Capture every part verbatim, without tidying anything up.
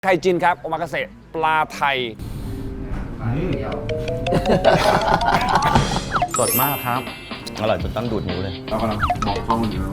ไข่จินครับโอมากาเสะปลาไทยสดมากครับอร่อยจนต้องดูดนิ้วเลยเรากำลังมองข้อมูลอยู่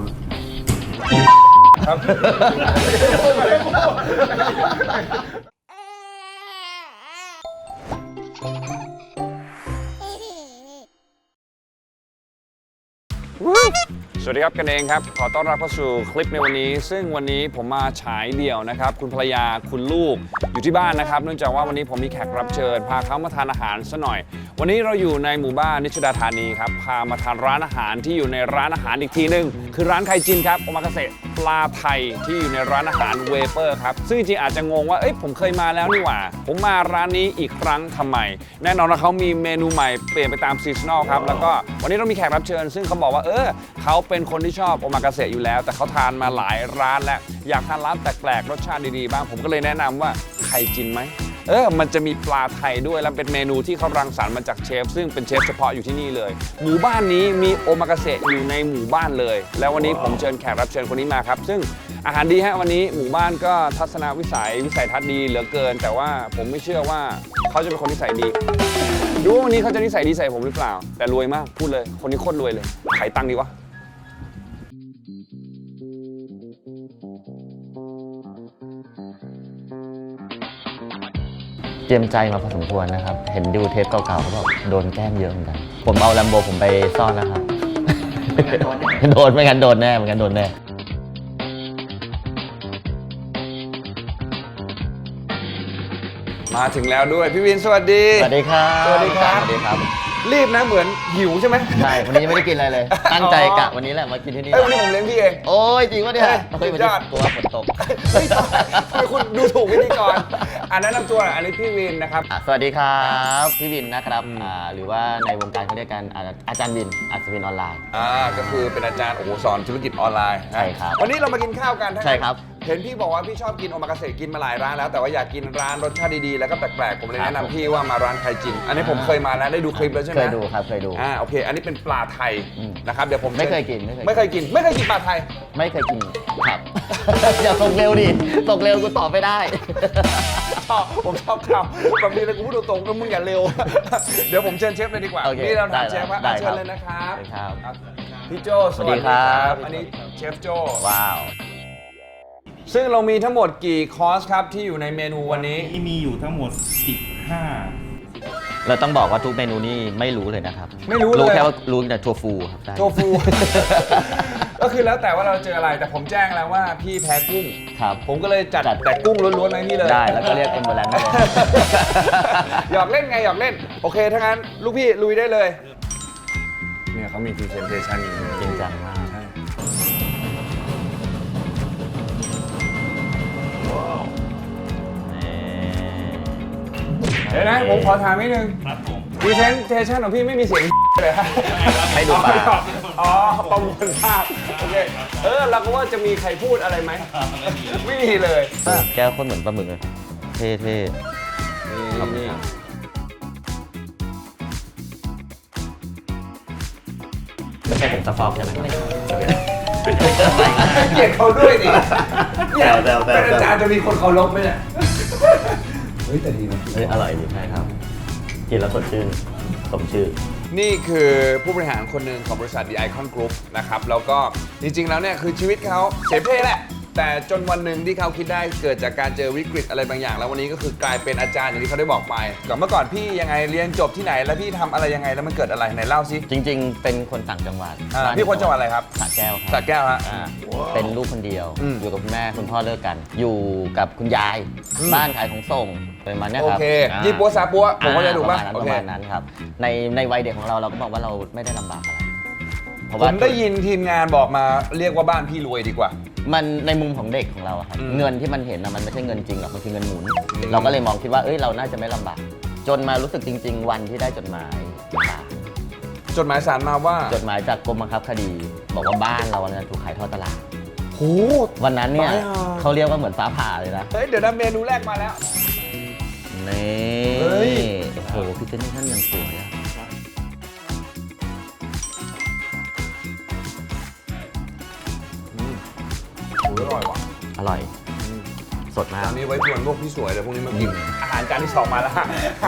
ครับสวัสดีครับกันเองครับขอต้อนรับเข้าสู่คลิปในวันนี้ซึ่งวันนี้ผมมาฉายเดี่ยวนะครับคุณภรรยาคุณลูกอยู่ที่บ้านนะครับเนื่องจากว่าวันนี้ผมมีแขกรับเชิญพาเขามาทานอาหารซะหน่อยวันนี้เราอยู่ในหมู่บ้านนิชดาธานีครับพามาทานร้านอาหารที่อยู่ในร้านอาหารอีกทีนึงคือร้านไข่จินครับโอมากาเสะปลาไทยที่อยู่ในร้านอาหารเวเปอร์ครับซึ่งจริงๆอาจจะงงว่าเอ้ยผมเคยมาแล้วนี่หว่าผมมาร้านนี้อีกครั้งทำไมแน่นอนว่าเขามีเมนูใหม่เปลี่ยนไปตามซีซันอลครับแล้วก็วันนี้เรามีแขกรับเชิญซึ่งเขาบอกว่าเออเขาเป็นคนที่ชอบโอมากาเสะอยู่แล้วแต่เขาทานมาหลายร้านแล้วอยากทานร้านแปลกๆรสชาติดีๆบ้างผมก็เลยแนะนำว่าไข่จินไหมเออมันจะมีปลาไทยด้วยและเป็นเมนูที่เขารังสรรค์มาจากเชฟซึ่งเป็นเชฟเฉพาะอยู่ที่นี่เลยหมู่บ้านนี้มีโอมากาเสะอยู่ในหมู่บ้านเลยแล้ววันนี้ผมเชิญแขกรับเชิญคนนี้มาครับซึ่งอาหารดีฮะวันนี้หมู่บ้านก็ทัศนวิสัยวิสัยทัศน์ดีเหลือเกินแต่ว่าผมไม่เชื่อว่าเขาจะเป็นคนนิสัยดีดูว่าวันนี้เขาจะนิสัยดีใส่ผมหรือเปล่าแต่รวยมากพูดเลยคนนี้โคตรรวยเลยขายตังค์ดีวะเตรียมใจมาพอสมควรนะครับเห็นดูเทปเก่าๆเขาบอกโดนแกล้งเยอะเหมือนกันผมเอาแลมโบผมไปซ่อนแล้วครับโดนไม่งั้นโดนแน่ไม่งั้นโดนแน่มาถึงแล้วด้วยพี่วินสวัสดีสวัสดีครับสวัสดีครับสวัสดีครับรีบนะเหมือนหิวใช่ไหมใช่วันนี้ยังไม่ได้กินอะไรเลยตั้งใจกะวันนี้แหละมากินที่นี่เอ้ยวันนี้ผมเลี้ยงพี่เองโอ้ยจริงวะเนี่ยเฮ้ยวันนี้ตัวฝนตกเฮ้ยทำไมคุณดูถูกพิธีกรอ่านแนะนำตัวหน่อยอันนี้พี่วินนะครับสวัสดีครับพี่วินนะครับอ่าหรือว่าในวงการเขาเรียกกันอาจารย์วินอัศวินออนไลน์อ่าก็คือเป็นอาจารย์โอ้โหสอนธุรกิจออนไลน์ใช่ครับวันนี้เรามากินข้าวกันใช่ครับเห็นพี่บอกว่าพี่ชอบกินโอมากาเสะกินมาหลายร้านแล้วแต่ว่าอยากกินร้านรสชาติดีๆแล้วก็แปลกๆผมเลยแนะนำพี่ว่ามาร้านไข่จินอันนี้ผมเคยมาแล้วได้ดูคลิปแล้วใช่ไหมเคยดูครับเคยดูอ่าโอเคอันนี้เป็นปลาไทยนะครับเดี๋ยวผมไม่เคยกินไม่เคยกินไม่เคยกินปลาไทยไม่เคยกินครับอย่าส่งเร็วดิส่งเร็วกูตอบไม่ได้ชอบผมชอบคำแบบนี้เลยกูพูดตรงๆแล้วมึงอย่าเร็วเดี๋ยวผมเชิญเชฟเลยดีกว่านี่เราถามเชฟว่าเชิญเลยนะครับพี่โจสวัสดีครับอันนี้เชฟโจว้าวซึ่งเรามีทั้งหมดกี่คอร์สครับที่อยู่ในเมนูวันนี้ที่มีอยู่ทั้งหมดสิบห้าเราต้องบอกว่าทุกเมนูนี่ไม่รู้เลยนะครับไม่รู้เลยรู้แค่ว่ารู้แต่ทัวฟูครับทัวฟูก็คือแล้วแต่ว่าเราเจออะไรแต่ผมแจ้งแล้วว่าพี่แพ้กุ้งครับผมก็เลยจัดแต่กุ้งล้วนๆไว้นี่เลยได้แล้วก็เรียกเอ็มเบอร์แลนด์ได้เลยหยอกเล่นไงหยอกเล่นโอเคถ้างั้นลูกพี่ลุยได้เลยเนี่ยเขามีพรีเซนเทชันจริงจังมากเดี๋ยวนะผมขอถามนิดนึงพรีเซนเทชันของพี่ไม่มีเสียงเลยครับให้ดูปากอ๋อประมวลภาพโอเคเออเราก็ว่าจะมีใครพูดอะไรไหมไม่มีเลยแก้วคนเหมือนปลาหมึกเลยเท่ๆนี่ไม่ใช่ผมสฟอกใช่ไหมเกลียดเขาด้วยดิเนี่ยเป็นอาจารย์จะมีคนเคารพไหมเนี่ยเฮ้ยแต่ดีนะเฮ้ยอร่อยดีใช่ครับกินแล้วสดชื่นสมชื่อนี่คือผู้บริหารคนหนึ่งของบริษัท The Icon Group นะครับแล้วก็จริงๆแล้วเนี่ยคือชีวิตเขาเสเพแหละแต่จนวันหนึ่งที่เขาคิดได้เกิดจากการเจอวิกฤตอะไรบางอย่างแล้ววันนี้ก็คือกลายเป็นอาจารย์อย่างที่เขาได้บอกไปก่อนเมื่อก่อนพี่ยังไงเรียนจบที่ไหนแล้วพี่ทำอะไรยังไงแล้วมันเกิดอะไรไหนเล่าสิจริงๆเป็นคนต่างจังหวัดพี่คนจังหวัดอะไรครับสระแก้วครับสระแก้วฮะเป็นลูกคนเดียวอยู่กับคุณแม่คุณพ่อเลิกกันอยู่กับคุณยายบ้านขายของส่งเป็นมาเนี่ยครับโอเคยี่ปัวซาปัวผมก็จะถูกป่ะประมาณนั้นครับในในวัยเด็กของเราเราก็บอกว่าเราไม่ได้ลำบากอะไรผมได้ยินทีมงานบอกมาเรียกว่าบ้านพี่รวยดีกว่ามันในมุมของเด็กของเราครับเงินที่มันเห็นนะมันไม่ใช่เงินจริงหรอกมันคือเงินหมุนเราก็เลยมองคิดว่าเอ้ยเราน่าจะไม่ลำบากจนมารู้สึกจริงๆวันที่ได้จดหมายจดหมายสารมาว่าจดหมายจากกรมบังคับคดีบอกว่าบ้านเราเนี่ยถูกขายทอดตลาดโหวันนั้นเนี่ยเขาเรียกว่าเหมือนฟ้าผ่าเลยนะเฮ้ยเดี๋ยวนะเมนูแรกมาแล้วนี่โอ้โหพี่เจนนี่ท่านยังสวยอะอร่อยว่ะอร่อยสสดมากอันนี้ไว้ชวนพวกพี่สวยเลยพวกนี้มากิน อาหารจานที่สองมาแล้ว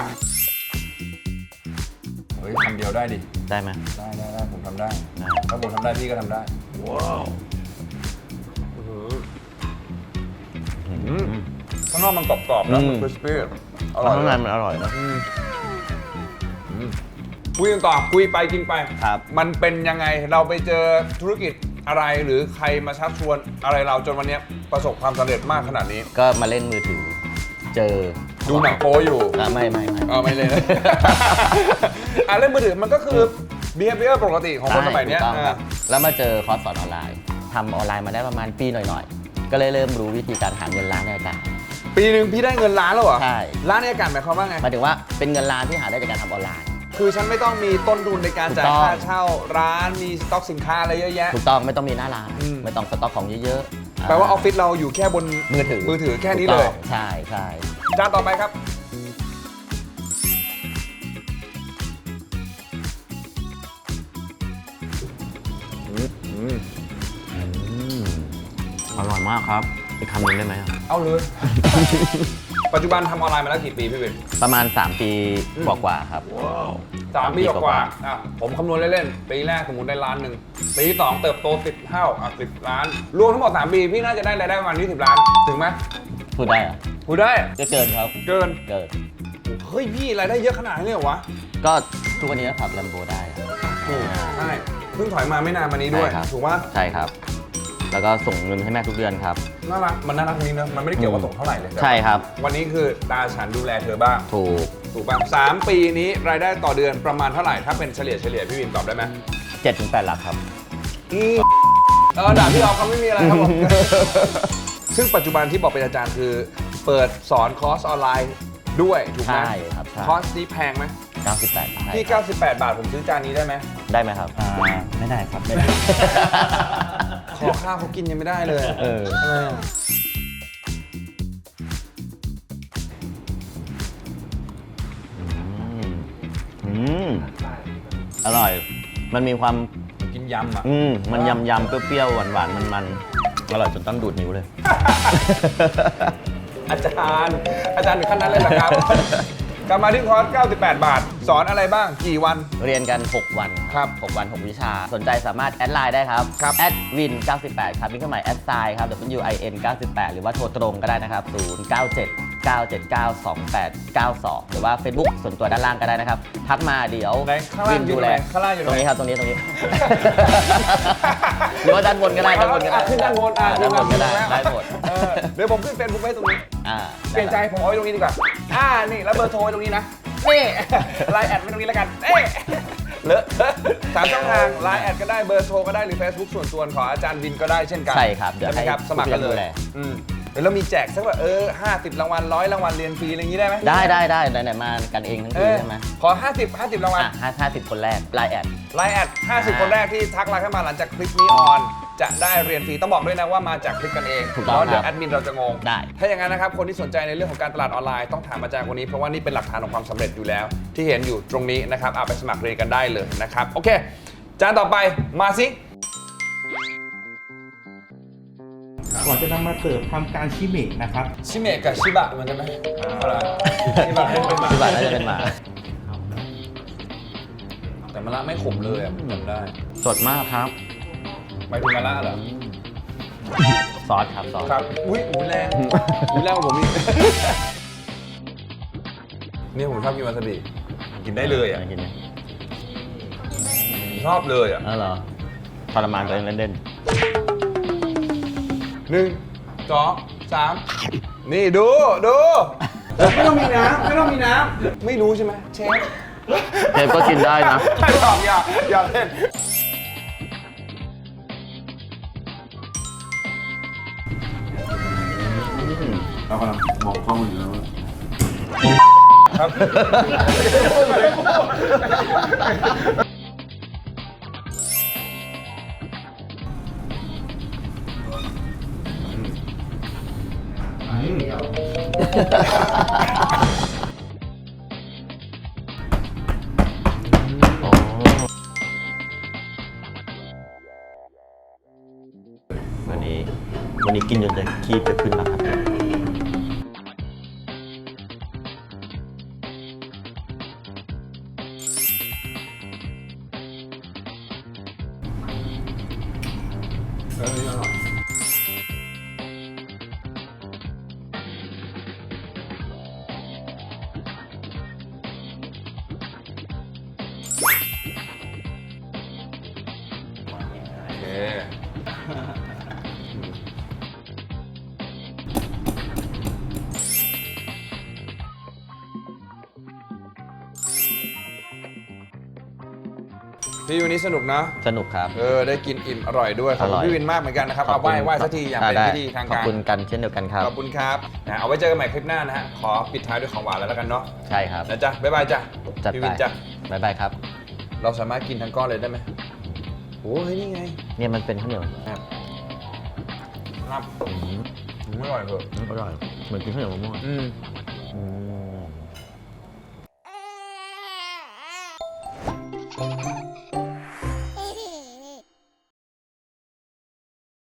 เฮ้ยคำเดียวได้ดิได้ไหมได้ได้ได้ผมทำได้ได้ถ้าผมทำได้พี่ก็ทำได้ ว้าวข้างนอกมันกรอบๆนะมันคริสปี้อร่อยข้างในมันอร่อยนะคุยกันต่อคุยไปกินไปครับมันเป็นยังไงเราไปเจอธุรกิจอะไรหรือใครมาชักชวนอะไรเราจนวันนี้ประสบความสำเร็จมากขนาดนี้ก็มาเล่นมือถือ เจอดูหนังโป๊อยู่อ่ะไม่ไม่ไม่เออไม่เลยนะ อ่ะเล่นมือถือมันก็คือ behavior ปกติของคนสมัยเนี้ยถูกต้องครับอ่าแล้วมาเจอคอร์สสอนออนไลน์ทำออนไลน์มาได้ประมาณปีหน่อยๆ ก็เลยเริ่มรู้วิธีการหาเงินล้านในอากาศปีหนึ่งพี่ได้เงินล้านแล้วเหรอใช่ล้านในอากาศหมายความว่าไงหมายถึงว่าเป็นเงินล้านที่หาได้จากการทำออนไลน์คือฉันไม่ต้องมีต้นทุนในการจ่ายถูกต้องค่าเช่าร้านมีสต็อกสินค้าอะไรเยอะแยะถูกต้องไม่ต้องมีหน้าร้านอืมไม่ต้องสต็อกของเยอะๆแปลว่าออฟฟิศเราอยู่แค่บนมือถือมือถือแค่นี้เลยถูกต้องใช่ใช่จานต่อไปครับอร่อยมากครับอีกคำหนึงได้ไหมเอาเลย ปัจจุบันทำออนไลน์มาแล้วกี่ปีพี่เบนประมาณ สาม ปีกว่าๆครับสามปีกว่าๆอ่ะผมคำนวณเล่นๆปีแรกสมมติได้ล้านหนึ่งปีที่สองเติบโตสิบเท่าอ่ะสิบล้าน รวมทั้งหมดสามปีพี่น่าจะได้รายได้ประมาณยี่สิบล้าน ถึงไหมพูดได้เหรอพูดได้ก็เกินครับเกินเกินเฮ้ยพี่รายได้เยอะขนาดนี้เลยเหรอวะก็ทุกวันนี้ก็ขับลัมโบได้ครับถูกใช่เพิ่งถอยมาไม่นานมานี้ด้วยใช่ครับถูกปะใช่ครับ แล้วก็ส่งเงินให้แม่ทุกเดือนครับน่ารักมันน่ารักตรงนี้เนอะมันไม่ได้เกี่ยวว่าส่งเท่าไหร่เลยใช่ครับวันนี้คือตาฉันดูแลเธอบ้างถูกถูกป่ะสามปีนี้รายได้ต่อเดือนประมาณเท่าไหร่ถ้าเป็นเฉลี่ยเฉลี่ยพี่วินตอบได้ไหมเจ็ดถึงแปดหลักครับอืมเออด่าพี่ออฟเขาไม่มีอะไรครับผม ซึ่งปัจจุบันที่บอกเป็นอาจารย์คือ เปิดสอนคอร์สออนไลน์ด้วยถูกไหมใช่ครับใช่คอร์สนี้แพงไหมเก้าสิบแปดใช่ที่ครับเก้าสิบแปด บาทผมซื้อจานนี้ได้ไหมได้ไหมครับอ่าไม่ได้ครับไม่ได้ขอข้าวเขากินยังไม่ได้เลยเออเอออืมอร่อย มันมีความกินยำอ่ะอืมมันยำยำๆเปรี้ยวๆหวานๆมันๆอร่อยจนต้องดูดนิ้วเลยอาจารย์ อาจารย์ถึงขั้นนั้นเลยเหรอครับ กลับมาที่คอร์สเก้าสิบแปด บาท สอนอะไรบ้างกี่วันเรียนกัน หก วันครับหกวัน หก วิชา สนใจสามารถแอดไลน์ได้ครับครับแอดวินเก้าสิบแปดครับมีเครื่องหมายแอดไซน์ครับ W I N เก้าสิบแปดหรือว่าโทรตรงก็ได้นะครับ ศูนย์ เก้า เจ็ด เก้า เจ็ด เก้า สอง แปด เก้า สอง หรือว่า Facebook ส่วนตัวด้านล่างก็ได้นะครับ ทักมาเดี๋ยวไหนข้างล่างอยู่ดูตรงแลไหนข้างล่างอยู่ตตรรง งไหนนี้ครับ ตรงนี้ ตรงนี้ หรือว่าด้านบนก็ได้ด้านบนก็ได้อ่ะขึ้นด้านบนอ่ะด้านบนก็ได้ขึ้นด้านบนได้หมดเออเดี๋ยวผมขึ้นเฟซบุ๊กไว้ตรงนี้อ่าเปลี่ยนใจผมเอาไว้ตรงนี้ดีกว่า อ่า นี่แล้วเบอร์โทรไว้ตรงนี้นะ นี่ ไลน์แอดไว้ตรงนี้แล้วกัน เอ๊ะเลอะสามช่องทางไลน์แอดก็ได้ เบอร์โทรก็ได้ หรือ Facebook ส่วนตัวของอาจารย์วินก็ได้เช่นกันใช่ครับเดี๋ยวใช่ไหมครับให้สมัครกันเลผู้ยดูแลอืมเดี๋ยวเรามีแจกสักแบบเออห้าสิบรางวัลร้อยรางวัลเรียนฟรีอะไรอย่างนี้ได้ไหมได้ได้ได้ไหนๆมากันเองทั้งเอทีอใช่ไหมขอห้าสิบ ห้าสิบรางวัลอ่ะห้าห้าสิบคนแรกไลน์แอดไลน์แอดห้าสิบ คนแรกที่ทักไลน์เข้ามาหลังจากคลิปนี้ออน จะได้เรียนฟรีต้องบอกด้วยนะว่ามาจากคลิปกันเองถูกต้องเพราะเดี๋ยวครัแอบ ดมินเราจะงงได้ถ้าอย่างนั้นนะครับคนที่สนใจในเรื่องของการตลาดออนไลน์ต้องถามอาจารย์คนนี้เพราะว่านี่เป็นหลักฐานของความสำเร็จอยู่แล้ว ที่เห็นอยู่ตรงนี้นะครับเอาไปสมัครเรียนกันได้เลยนะครับโอเคจานต่อไปมาสิก่อนจะนำมาเสิร์ฟทำการชิเมะนะครับชิเมะกับชิบะมันกันไหมอะไรชิบะเป็นหมาที่บ้านน่าจะเป็นหมาแต่มะระไม่ขมเลยอ่ะผมจำได้สดมากครับหมายถึงมะระเหรอซอสครับซอสครับอุ้ยอุ้ยแรงอุ้ยแรงกว่าผมอีกเนี่ยผมชอบกินวาซาบิกินได้เลยอ่ะกินไหมชอบเลยอ่ะอ๋อเหรอทรมานตัวเองเล่นหนึ่งสองสามนี่ดูดูไม่ต้องมีน้ำไม่ต้องมีน้ำไม่รู้ใช่ไหมเชฟๆเทปก็กินได้นะหยอกอย่าอย่าเล่นเรากำลังมองกล้องอยู่แล้วครับวันนี้ วันนี้กินจนจะคีบจะขึ้นแล้วครับเอออร่อยโอเคพี่วันนี้สนุกนะสนุกครับเออได้กินอิ่มอร่อยด้วยขอบคุอร่ณอยพี่วินมากเหมือนกันนะครับเอาไหว้ไหว้สักทีอย่างเป็นได้พิธีทางขอบการคุณกันเช่นเดียวกันครับขอบคุณครับนะเอาไว้เจอกันใหม่คลิปหน้านะฮะขอปิดท้ายด้วยของหวานแล้วกันเนาะใช่ครับนะจ๊ะบ๊ายบายจ้ะจัดพี่ไปวินจ้ะบ๊ายบายครับเราสามารถกินทั้งก้อนเลยได้ไหมโอ้ยนี่ไงเนี่ยมันเป็นข้าวเหนียวครับครับอืมไม่อร่อยเหรออร่อยเหมือนกินข้าวเหนียวมะม่วงอืมอืม